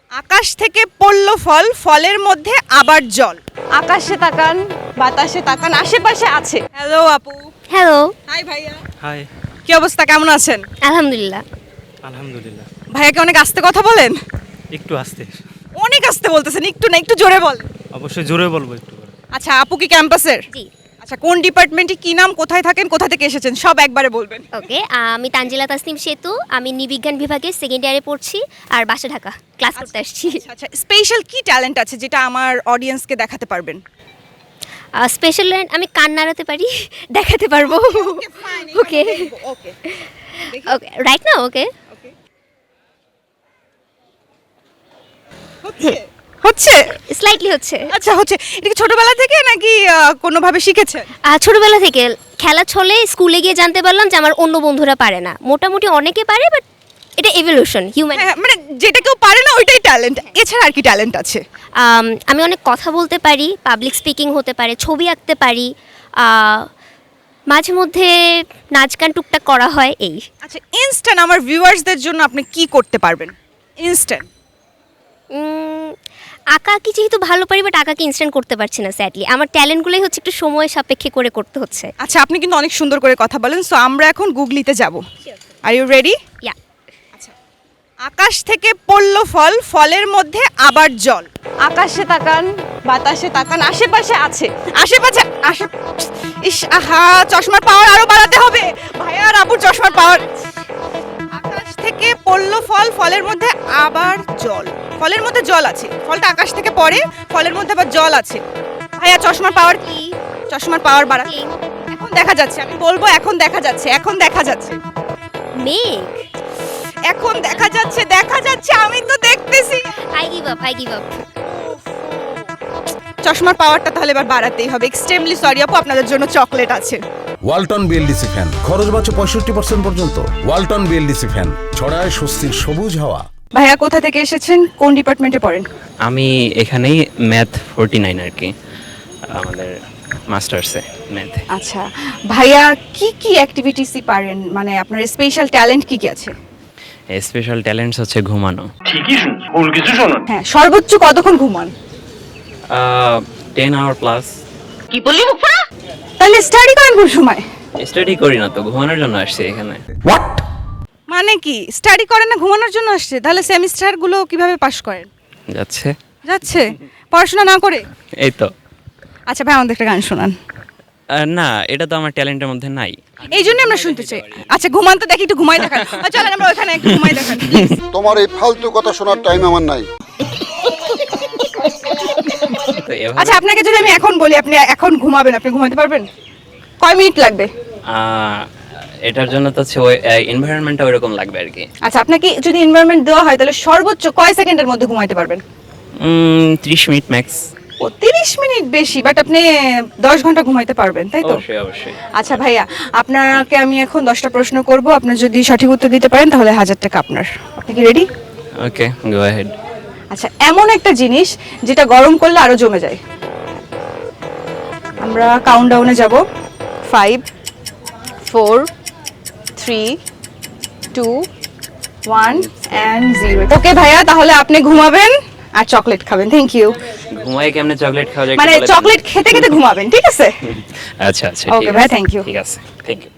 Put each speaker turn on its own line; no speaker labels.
আকাশ থেকে পড়লো ফল, ফলের মধ্যে আবার জল। আকাশে তাকান, বাতাসে তাকান, আশেপাশে আছে। হ্যালো আপু।
হ্যালো।
হাই ভাইয়া।
হাই।
কি অবস্থা, কেমন আছেন?
আলহামদুলিল্লাহ।
আলহামদুলিল্লাহ।
ভাইয়াকে অনেক আস্তে কথা বলেন?
একটু আস্তে।
অনেক আস্তে বলতেছেন, একটু না একটু জোরে বল।
অবশ্যই জোরে বলবো একটু করে।
আচ্ছা, আপু কি ক্যাম্পাসের?
জি।
আচ্ছা, কোন ডিপার্টমেন্টে, কি নাম, কোথায় থাকেন, কোথা থেকে এসেছেন, সব একবারে বলবেন।
ওকে, আমি তানজিলা তাসনিম সেতু, আমি নৃবিজ্ঞান বিভাগে সেকেন্ড ইয়ারে পড়ছি আর বাসা ঢাকা, ক্লাস করতে আসছি।
আচ্ছা, স্পেশাল কি ট্যালেন্ট আছে যেটা আমার অডিয়েন্সকে দেখাতে পারবেন?
স্পেশাল ল্যান্ড আমি কান নাড়াতে পারি, দেখাতে পারবো। ওকে
ওকে
ওকে, রাইট না? ওকে,
হচ্ছে।
স্লাইটলি হচ্ছে।
আচ্ছা, হচ্ছে। এটা কি ছোটবেলা থেকে নাকি কোনোভাবে শিখেছেন?
ছোটবেলা থেকে খেলা ছলে স্কুলে গিয়ে জানতে পারলাম যে আমার অন্য বন্ধুরা পারে না, মোটামুটি অনেকে পারে, বাট এটা এভলিউশন, হিউম্যান।
হ্যাঁ, মানে যেটা কেউ পারে না ওইটাই ট্যালেন্ট, এছাড়া আর কি ট্যালেন্ট আছে?
আমি অনেক কথা বলতে পারি, পাবলিক স্পিকিং হতে পারে, ছবি আঁকতে পারি, মাঝে মধ্যে নাচ গান টুকটাক করা হয় এই।
আচ্ছা, ইনস্ট্যান্ট আমার ভিউয়ার্সদের জন্য আপনি কি করতে পারবেন ইনস্ট্যান্ট?
আঁকা কি যেহেতু ভালো পারি, বাট আঁকাকে ইনস্ট্যান্ট করতে পারছি না স্যাডলি। আমার ট্যালেন্টগুলোই হচ্ছে একটু সময় সাপেক্ষে করে করতে হচ্ছে।
আচ্ছা, আপনি কিন্তু অনেক সুন্দর করে কথা বলেন, সো আমরা এখন গুগলিতে যাব। Are you ready?
ইয়া।
আচ্ছা, আকাশ থেকে পড়লো ফল, ফলের মধ্যে আবার জল। আকাশে তাকান, বাতাসে তাকান, আশেপাশে আছে। আশেপাশে ইস, আহা, চশমার পাওয়ার আরো বাড়াতে হবে ভাইয়া আর আপুর চশমার পাওয়ার। আকাশ থেকে পড়লো ফল, ফলের মধ্যে আবার জল। ফলের মধ্যে জল আছে, ফলটা আকাশ থেকে পড়ে, ফলের মধ্যে আবার জল আছে। ভাইয়া চশমার পাওয়ার কি? চশমার পাওয়ার বাড়া। এখন দেখা যাচ্ছে, আমি বলবো এখন দেখা যাচ্ছে, এখন দেখা যাচ্ছে,
মেঘ।
এখন দেখা যাচ্ছে, দেখা যাচ্ছে, আমি তো দেখতেছি।
I give up, I give up.
চশমার পাওয়ারটা তাহলে এবার বাড়াতেই হবে। এক্সট্রিমলি সরি আপু, আপনাদের জন্য চকলেট আছে।
ওয়ালটন বিএলডিসি ফ্যান, খরচ বাঁচে 65% পর্যন্ত। ওয়ালটন বিএলডিসি ফ্যান ছড়ায় স্বস্তির সবুজ হাওয়া।
ভাইয়া কোথা থেকে এসেছেন, কোন ডিপার্টমেন্টে পড়েন?
আমি এখানেই ম্যাথ 49 আর কি, আমাদের মাস্টার্সে ম্যাথে।
আচ্ছা ভাইয়া, কি কি অ্যাক্টিভিটিসই পারেন, মানে আপনার স্পেশাল ট্যালেন্ট কি কি আছে?
স্পেশাল ট্যালেন্টস হচ্ছে ঘুমানো।
হ্যাঁ, সর্বোচ্চ কতক্ষণ ঘুমান?
10 আওয়ার প্লাস।
তাহলে স্টাডি করেন কোন সময়?
স্টাডি করি না তো, ঘুমানোর জন্য আসছি এখানে।
মানে কি স্টাডি করেন না, ঘুমানোর জন্য আসছে? তাহলে সেমিস্টার গুলো কিভাবে পাস করেন?
যাচ্ছে
যাচ্ছে পড়াশোনা না করে?
এই তো।
আচ্ছা ভাই, আমাদের একটা গান শোনান।
না, এটা তো আমার ট্যালেন্টের মধ্যে নাই।
এই জন্য আমরা শুনতে চাই। আচ্ছা, ঘুমান তো দেখি, একটু ঘুমাই দেখান। চলেন আমরা ওখানে একটু ঘুমাই দেখান।
তোমার এই ফালতু কথা শোনার টাইম আমার নাই।
তো এভাবে
আচ্ছা, আপনাকে যদি আমি এখন বলি আপনি এখন ঘুমাবেন, আপনি ঘুমাতে পারবেন? কয় মিনিট লাগবে?
এটার জন্য তো হচ্ছে ওই এনভায়রনমেন্টটা ওইরকম লাগবে আর কি।
আচ্ছা, আপনাকে যদি এনভায়রনমেন্ট দেওয়া হয় তাহলে সর্বোচ্চ কয় সেকেন্ডের মধ্যে ঘুমাইতে পারবেন?
30 মিনিট ম্যাক্স।
ও 30 মিনিট বেশি, বাট আপনি 10 ঘন্টা ঘুমাইতে পারবেন, তাই তো?
অবশ্যই অবশ্যই।
আচ্ছা ভাইয়া, আপনাকে আমি এখন 10টা প্রশ্ন করব, আপনি যদি সঠিক উত্তর দিতে পারেন তাহলে 1000 টাকা আপনার। আপনি কি রেডি?
ওকে, গো অ্যাহেড।
আচ্ছা, এমন একটা জিনিস যেটা গরম করলে আরো জমে যায়। আমরা কাউন্টডাউনে যাব। 5 4 3 2 1 and 0। ওকে ভাইয়া, তাহলে আপনি ঘুমাবেন আর চকলেট খাবেন। Thank you.
ঘুমাই কেমনে চকলেট খাওয়া যায়?
মানে চকলেট খেতে খেতে ঘুমাবেন, ঠিক আছে?
আচ্ছা আচ্ছা,
Okay, ভাই, thank you.
ঠিক আছে, থ্যাংক ইউ।